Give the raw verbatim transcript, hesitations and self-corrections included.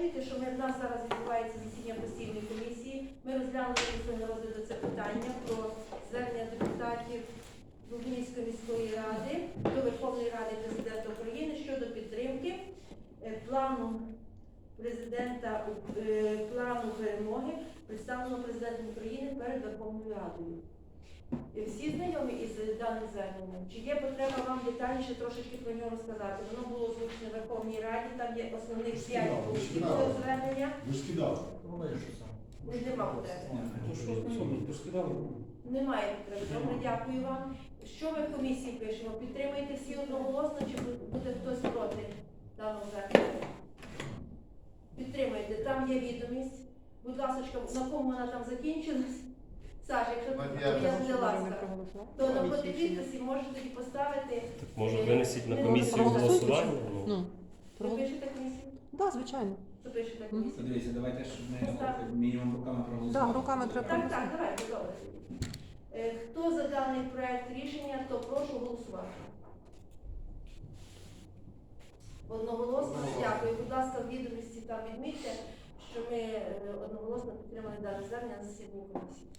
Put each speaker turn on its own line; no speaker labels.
забезпечуєте, що ми, в нас зараз відбувається засідання постійної комісії. Ми розглянули після розгляду це питання про звернення депутатів Лубнівської міської ради до Верховної Ради Президента України щодо підтримки е, плану президента е, плану перемоги, представленого президентом України перед Верховною Радою. Е, Всі знайомі із даним зверненням? Чи є потреба вам детальніше трошечки про нього розказати? Воно було озвучено в Верховній Раді, там є основних п'ять пунктів цього звернення.
Ви ж скидали.
Нема потреби.
То скидали.
Немає потреби. Добре, дякую вам. Що ми в комісії пишемо? Підтримуєте всі одноголосно, чи буде хтось проти даного звернення? Підтримуєте. Там є відомість. Будь ласка, на кому вона там закінчилась? Саша, якщо я не ласка, то на проти підписі можете тоді поставити.
Може винесіть на
е,
комісію
проголосуйте,
голосування?
чи?
Ну,
Ну,
Ви пишете комісію?
да, звичайно.
Що пишете комісію?
Подивіться, давайте, щоб ми
Поставте.
мінімум руками проголосували.
Да, руками треба.
Так, так, давайте, добре. Е, Хто за даний проект рішення, то прошу голосувати. Одноголосно. Дякую. Будь ласка, в відомості там відмітьте, що ми е, одноголосно підтримали дане звернення на засіданні комісії.